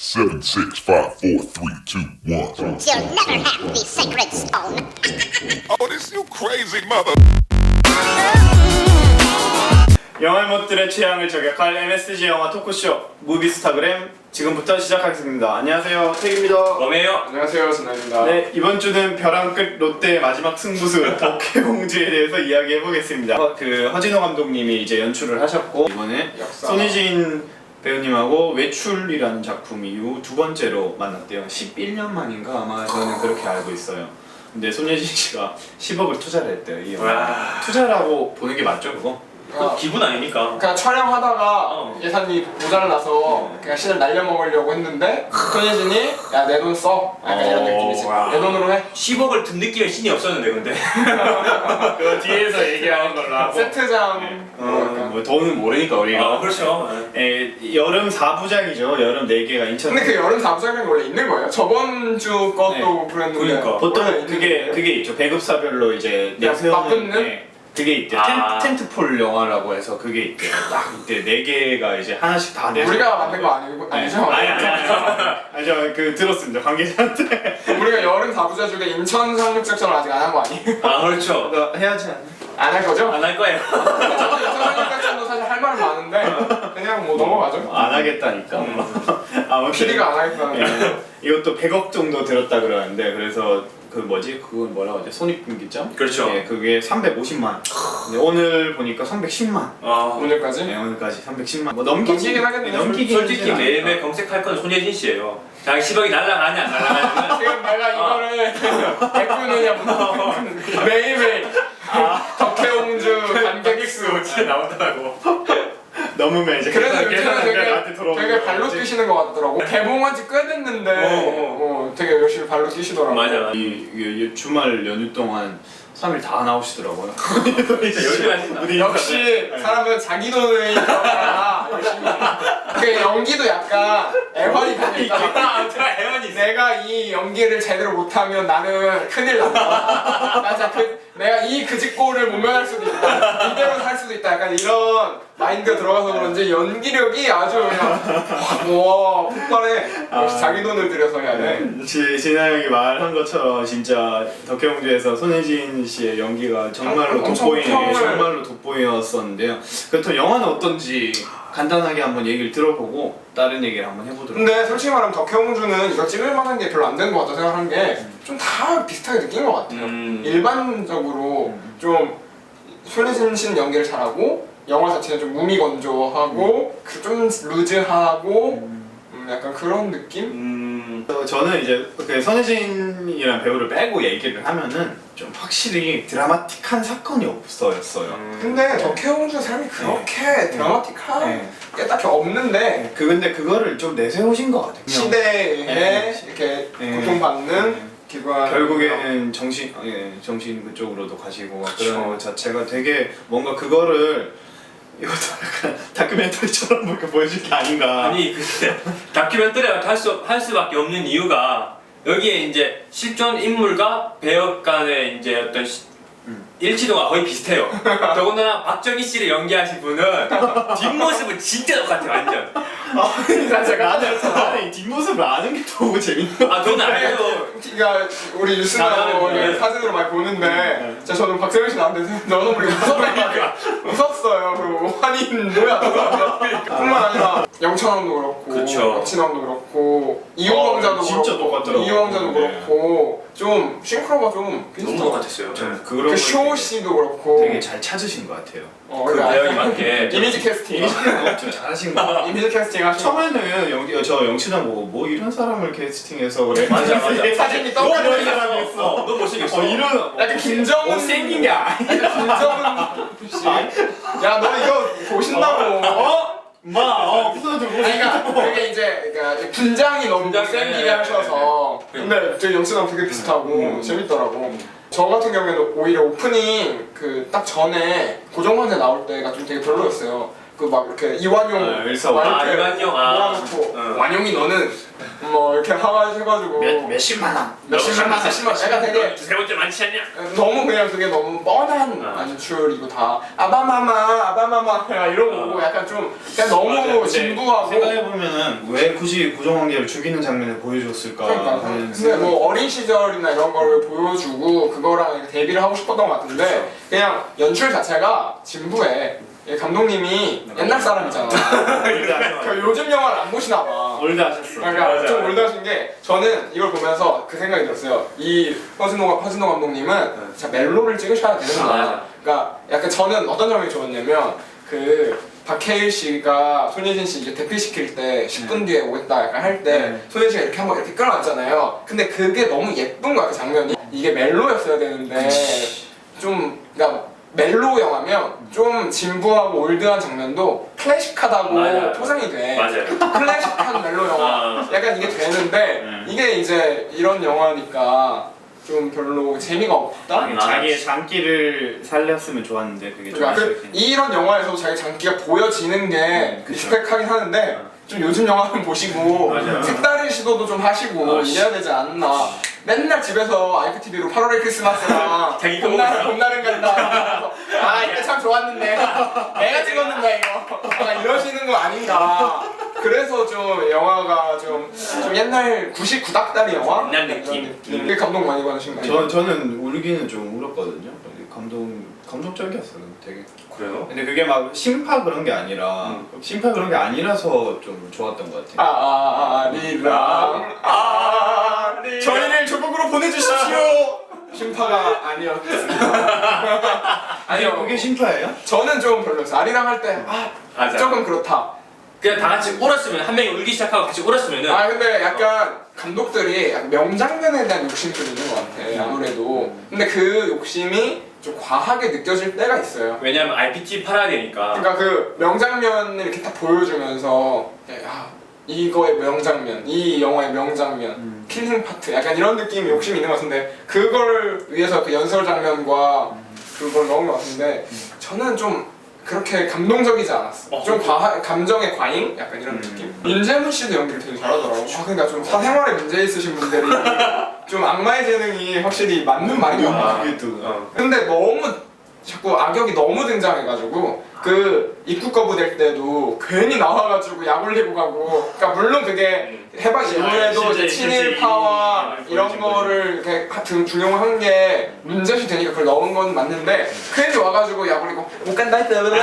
7, 6, 5, 4, 3, 2, 1. You'll never have the sacred stone. Oh, this you crazy mother. 영화 못들의 취향을 저격할 MSG 영화 토크쇼 무비스타그램 지금부터 시작하겠습니다. 안녕하세요, 태기입니다. 범이에요. 안녕하세요, 전화입니다. 네, 이번 주는 벼랑 끝 롯데의 마지막 승부수 덕혜공주에 대해서 이야기해보겠습니다. 그 허진호 감독님이 이제 연출을 하셨고 이번에 역사. 손예진 배우님하고 외출이라는 작품 이후 두 번째로 만났대요. 11년 만인가 아마 저는 그렇게 알고 있어요. 근데 손예진 씨가 10억을 투자를 했대요, 이 영화. 와. 투자라고 보는 게 맞죠, 그거? 그 기분 아닙니까? 그러니까 촬영하다가 예산이 모자라서 그냥 신을 날려먹으려고 했는데 손예진이 야 내 돈 써. 약간 이런 느낌이지. 와. 내 돈으로 해. 10억을 든 느낌의 신이 없었는데 근데. 그거 뒤에서 얘기하는 걸로 하고. 세트장. 뭐 돈은 모르니까 우리가. 그렇죠. 여름 4부작이죠. 여름 4개가 인천. 근데 그 여름 사부작이 원래 있는 거예요? 저번 주 것도 그랬는데. 그러니까. 보통 원래 있는 거예요? 그게 있죠. 배급사별로 이제 그냥 내세우는 맞붙는? 그게 있대. 아. 텐트폴 영화라고 해서 그게 있대. 딱 이때 4개가 이제 하나씩 다 내서. 우리가 만든 거 아니죠? 아니죠. 그 들었습니다. 관계자한테. 우리가 여름 사부작 중에 인천 상륙작전을 아직 안 한 거 아니에요? 아 그렇죠. 그거 해야지 않나? 안 할 거죠? 안 할 거예요. 저도 인천 상륙작전도 사실 할 말은 많은데 그냥 뭐 넘어가죠. 안 하겠다니까. 아무튼 PD가 안 하겠다는. 이것도 100억 정도 들었다 그러는데 그래서 그 뭐지? 그건 뭐라고 하지? 손익분기점? 그렇죠. 예, 그게 350만. 근데 오늘 보니까 310만. 아, 오늘까지? 네, 오늘까지 310만. 뭐 넘기긴 하겠네요. 넘기긴 솔직히 하진 매일매일 않을까. 검색할 건 손예진 씨예요. 자기 10억이 날라가냐 안 날라가냐. 지금 내가 이거를 베푸느냐 매일매일 덕혜옹주 관객수 진짜 나온다고. 넘으면 이제 그래서 계산하는 게 요즘은 나한테 들어오는 되게 발로 거지. 뛰시는 것 같더라고. 개봉한 지 꽤 됐는데 되게 열심히 발로 뛰시더라고. 맞아. 이 주말 연휴 동안 3일 다 나오시더라고요. 진짜 열심히 하신다. 우리 역시 사람은 자기 돈을 벌어야 열심히. 그 연기도 약간 애환이 되니까 제가 애원이 있어. 내가 이 연기를 제대로 못하면 나는 큰일 난다. 나 진짜 내가 이 그짓골을 모면할 수도 있다. 이대로 살 수도 있다. 약간 이런 마인드가 들어가서 그런지 연기력이 아주 그냥 와 폭발해. 역시 자기 돈을 들여서 해야 돼. 진아 형이 말한 것처럼 진짜 덕혜공주에서 손예진 씨의 연기가 정말로 엄청 돋보이네. 평을- 정말로 돋보였었는데요. 그렇다면 영화는 어떤지 간단하게 한번 얘기를 들어보고 다른 얘기를 한번 해보도록. 근데 솔직히 말하면 덕혜옹주는 이거 찍을 만한 게 별로 안 되는 것 같다 생각한 게 좀 다 비슷하게 느낀 것 같아요. 일반적으로 좀 손예진 씨는 연기를 잘하고 영화 자체는 좀 무미건조하고 그 좀 루즈하고 약간 그런 느낌? 저는 이제 그 손예진이라는 배우를 빼고 얘기를 하면은 좀 확실히 드라마틱한 사건이 없어였어요. 근데 덕혜옹주 삶이 그렇게 드라마틱한 네. 게 딱히 없는데 근데 그거를 좀 내세우신 것 같아요. 시대에 네. 이렇게 네. 고통받는 네. 기관 결국에는 정신 그쪽으로도 가시고 그쵸. 그런 것 자체가 되게 뭔가 그거를 이것도 약간 다큐멘터리처럼 이렇게 보여줄 게 아닌가. 아니 근데 다큐멘터리가 할 수밖에 없는 이유가 여기에 이제 실존 인물과 배역 간의 이제 어떤 일치도가 거의 비슷해요. 더군다나 박정희 씨를 연기하신 분은 뒷모습은 진짜 똑같아요, 완전. 나는 이 뒷모습을 아는 게 너무 재밌는 거. 아, 저는 알죠. 그러니까 우리 뉴스나 뭐 네. 사진으로 많이 보는데 진짜 저는 박정희 씨 나왔는데 너무 우리 웃었어요. 그리고 환인 뭐야 뿐만 아니라 영찬왕도 그렇고 그쵸. 박진왕도 그렇고 이호왕자도 진짜 그렇고 똑같더라고요. 이호왕자도 네. 그렇고 좀 싱크로가 좀 너무 비슷한 것 똑같았어요. 그런 그 쇼 씨도 그렇고 되게 잘 찾으신 것 같아요. 그 배역이 맞게. 이미지 캐스팅 엄청 잘하신 것 같아요. 이미지 캐스팅 하시고 처음에는 저 영치장 보고 뭐 이런 사람을 캐스팅해서 그래. 맞아. 사진이 너 떠오르는 이런 사람이 있어. 너 못생겼어. 이런 약간 김정은 생긴 게 아니야. 김정은 씨. 야, 너 이거 보신다고. 웃어주고. 아니, 그러니까 되게 이제 그러니까 분장이 너무 분장이, 센 기계 네, 하셔서. 근데 되게 영수랑 되게 비슷하고 재밌더라고. 저 같은 경우에는 오히려 오프닝 그 딱 전에 고정관제 나올 때가 좀 되게 별로였어요. 그 막 이렇게 이완용 일사오. 아, 이완용, 아. 몰아놓고 응. 완용이 너는 뭐 이렇게 해가지고 몇십만 원. 몇십만 원 약간 되게 세 번째 많지 않냐? 너무 그냥 그게 너무 뻔한 안출이고 다 아바마마 이런 거고 약간 좀 그냥 너무 맞아요. 진부하고 생각해보면은 왜 굳이 고정관계를 죽이는 장면을 보여줬을까 그러니까 하는 근데 생각이 뭐 어린 시절이나 이런 걸 보여주고 그거랑 데뷔를 하고 싶었던 것 같은데 그렇죠. 그냥 연출 자체가 진부해. 이 감독님이 옛날 사람이잖아. 그 요즘 영화를 안 보시나 봐. 올드하셨어. 그러니까 맞아. 좀 올드하신 게 저는 이걸 보면서 그 생각이 들었어요. 이 허진호 감독님은 진짜 멜로를 찍으셔야 되는 거야. 맞아. 그러니까 약간 저는 어떤 점이 좋았냐면 그 박해일 씨가 손예진 씨 이제 대피시킬 때 10분 뒤에 오겠다 약간 할 때 손예진 씨가 이렇게 한번 이렇게 끌어놨잖아요. 근데 그게 너무 예쁜 거야 그 장면이. 이게 멜로였어야 되는데 좀 그러니까 멜로 영화면 좀 진부하고 올드한 장면도 클래식하다고 맞아요. 포장이 돼. 맞아요. 클래식한 멜로 영화. 약간 이게 되는데 이게 이제 이런 영화니까 좀 별로 재미가 없다. 자기의 장기를 살렸으면 좋았는데 그게 좀 그러니까 아쉽긴 해. 이런 영화에서도 자기 장기가 보여지는 게 그쵸. 익스펙하긴 하는데 좀 요즘 영화는 보시고 맞아요. 색다른 시도도 좀 하시고 이래야 되지 않나. 맨날 집에서 IPTV로 8월의 크리스마스랑 자기 거 봄날은 간다. 아 이때 참 좋았는데 내가 찍었는데 이거 약간 이러시는 거 아닌가. 그래서 좀 영화가 좀 옛날 99닥다리 영화? 옛날 느낌. 그 감동 많이 받으신가요? 저는 울기는 좀 울었거든요. 감동적이었어요. 되게. 그래요? 근데 그게 막 심파 그런 게 아니라 심파 그런 게 아니라서 좀 좋았던 것 같아요. 아리랑 저희를 조국으로 보내주십시오. 심파가 아니었습니다. 아니요, 그게 심파예요? 저는 좀 별로였어요. 아리랑 할 때 맞아. 조금 그렇다. 그냥 다 같이 울었으면 한 명이 울기 시작하고 같이 울었으면은 근데 약간 감독들이 약간 명장면에 대한 욕심이 좀 있는 것 같아. 아무래도. 근데 그 욕심이 좀 과하게 느껴질 때가 있어요. 왜냐면 IPT 팔아야 되니까. 그러니까 그 명장면을 이렇게 딱 보여주면서 이거의 명장면, 이 영화의 명장면, 킬링 파트 약간 이런 느낌이 욕심이 있는 것 같은데 그걸 위해서 그 연설 장면과 그걸 넣은 것 같은데 저는 좀 그렇게 감동적이지 않았어. 좀 감정의 과잉? 약간 이런 느낌? 윤재문 씨도 연기를 되게 잘하더라고. 그러니까 좀 사생활에 문제 있으신 분들이 좀 악마의 재능이 확실히 맞는 말인 것 같아. 그게 또. 근데 너무 자꾸 악역이 너무 등장해가지고 그 입국 거부될 때도 괜히 나와가지고 약 올리고 가고. 그러니까 물론 그게 해방 이후에도 이제 친일파와 이런 거를 이렇게 중용한 게 문제시 되니까 그걸 넣은 건 맞는데 괜히 와가지고 약 올리고 못 간다 했다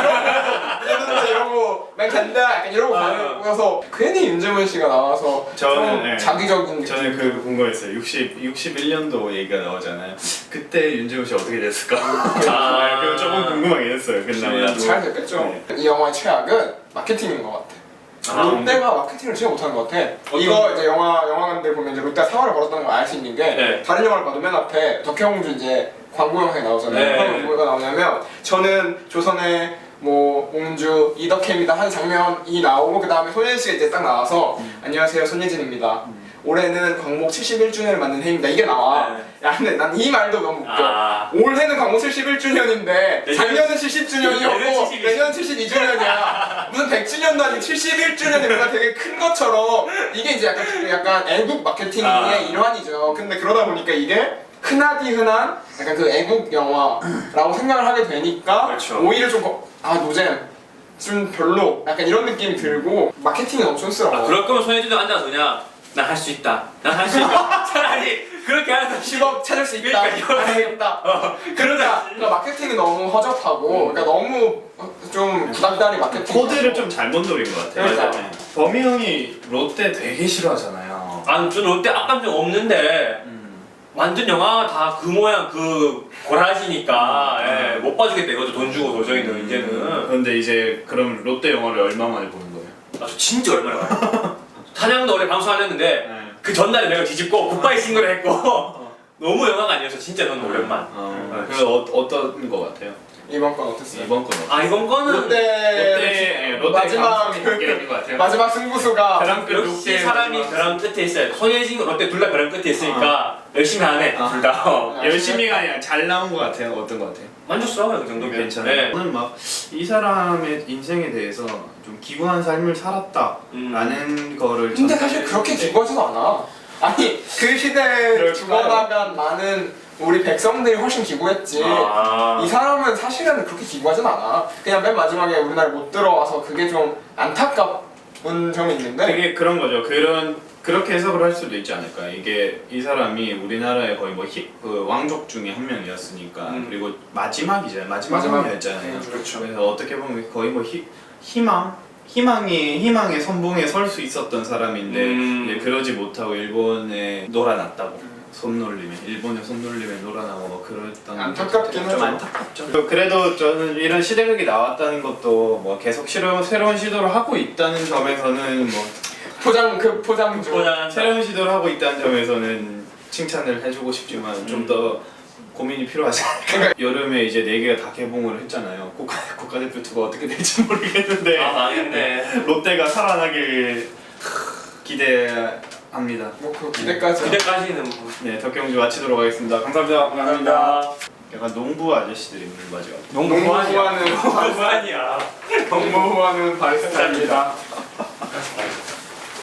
약간 이러고 난 간다 약간 이러고 가서 괜히 윤재문 씨가 나와서 저는 좀 자기적인 느낌. 저는 그 궁금했어요. 61년도 얘기가 나오잖아요. 그때 윤재훈 씨 어떻게 됐을까? 그거 조금 궁금하긴 했어요. 그나마 잘 됐겠죠. 이 영화의 최악은 마케팅인 것 같아. 롯데가 마케팅을 진짜 못하는 것 같아. 이거 이제 영화관들 보면 이제 롯데가 사활을 걸었다는 걸 알 수 있는 게 네. 다른 영화를 봐도 맨 앞에 덕혜옹주 이제 광고 영상이 나오잖아요. 네. 그런 뭐가 나오냐면 저는 조선의 뭐 옹주 이덕혜입니다 하는 장면이 나오고 그 다음에 손예진 씨가 이제 딱 나와서 안녕하세요 손예진입니다. 올해는 광목 71주년을 맞는 해입니다. 이게 나와. 네. 야 근데 난 이 말도 너무 웃겨. 올해는 광목 71주년인데 작년은 70주년이었고 내년 72주년이야. 무슨 100주년도 아니고 71주년이 뭔가 되게 큰 것처럼 이게 이제 약간 애국 마케팅의 일환이죠. 근데 그러다 보니까 이게 흔하디 흔한 약간 그 애국 영화라고 생각을 하게 되니까 그렇죠. 오히려 좀 노잼 좀 별로 약간 이런 느낌이 들고 마케팅이 너무 촌스러워. 그럴 거면 손예진도 앉아서 그냥 난 할 수 있다. 난 할 수 있다. 차라리 그렇게 하는 10억 찾을 수 있다. 그러니까 알겠다. 그러니까 마케팅이 너무 허접하고, 그러니까 너무 좀 구닥다리 마케팅. 코드를 좀 잘못 노린 것 같아요. 그러니까. 네. 범이 형이 롯데 되게 싫어하잖아요. 난 롯데 악감정 없는데 완전 영화가 다 그 모양 그 고라지니까 예, 못 봐주겠다 이것도 돈 주고 도저히는 이제는. 그런데 이제 그럼 롯데 영화를 얼마 만에 보는 거예요? 아, 저 진짜 얼마나 봐요. 사냥도 원래 방송 안 했는데 그 전날에 내가 뒤집고 굿바이 싱글을 했고 너무 영화가 아니어서 진짜 너무 오랜만. 그래서 어떤 거 같아요? 이번 건 어땠어요? 이번 건 아 이번 거는 롯데 마지막 감성이 있는 것 같아요. 마지막 승부수가 벼랑 끝 역시 롯데 사람이 마지막. 벼랑 끝에 있어요. 손예진, 롯데 둘 다 벼랑 끝에 있으니까 열심히 하네 둘 다. 열심히가 아니라 잘 나온 것 같아요. 어떤 것 같아요? 만족스러워요 그 정도면. 괜찮아요. 네. 저는 막 이 사람의 인생에 대해서 좀 기구한 삶을 살았다라는 거를. 근데 저는 사실 그렇게 했는데 기구하지도 않아. 아니 그 시대에 그럴까요? 죽어나간 많은 우리 백성들이 훨씬 기구했지. 아. 이 사람은 사실은 그렇게 기구하진 않아. 그냥 맨 마지막에 우리나라에 못 들어와서 그게 좀 안타까운 점이 있는데. 되게 그런 거죠. 그렇게 해석을 할 수도 있지 않을까. 이게 이 사람이 우리나라의 거의 뭐 그 왕족 중에 한 명이었으니까 그리고 마지막 마지막. 왕이었잖아요. 그렇죠. 그래서 어떻게 보면 거의 뭐 희망의 선봉에 설 수 있었던 사람인데 이제 그러지 못하고 일본에 놀아났다고. 일본의 손놀림에 놀아나고 뭐 그랬던 안타깝긴 좀 하죠. 안타깝죠. 그래도 저는 이런 시대극이 나왔다는 것도 뭐 계속 새로운 시도를 하고 있다는 점에서는 뭐 포장 중. 새로운 시도를 하고 있다는 점에서는 칭찬을 해주고 싶지만 좀 더 고민이 필요하지 않을까. 여름에 이제 4개가 다 개봉을 했잖아요. 국가대표 2가 어떻게 될지 모르겠는데 아 망했네. 롯데가 살아나길 기대합니다. 뭐 그 기대까지. 기대까지는 뭐. 네, 덕경주 마치도록 하겠습니다. 감사합니다. 감사합니다. 약간 농부 아저씨들이 있는 거죠. 농구하는 농구하니야. 농구하는 발스타입니다.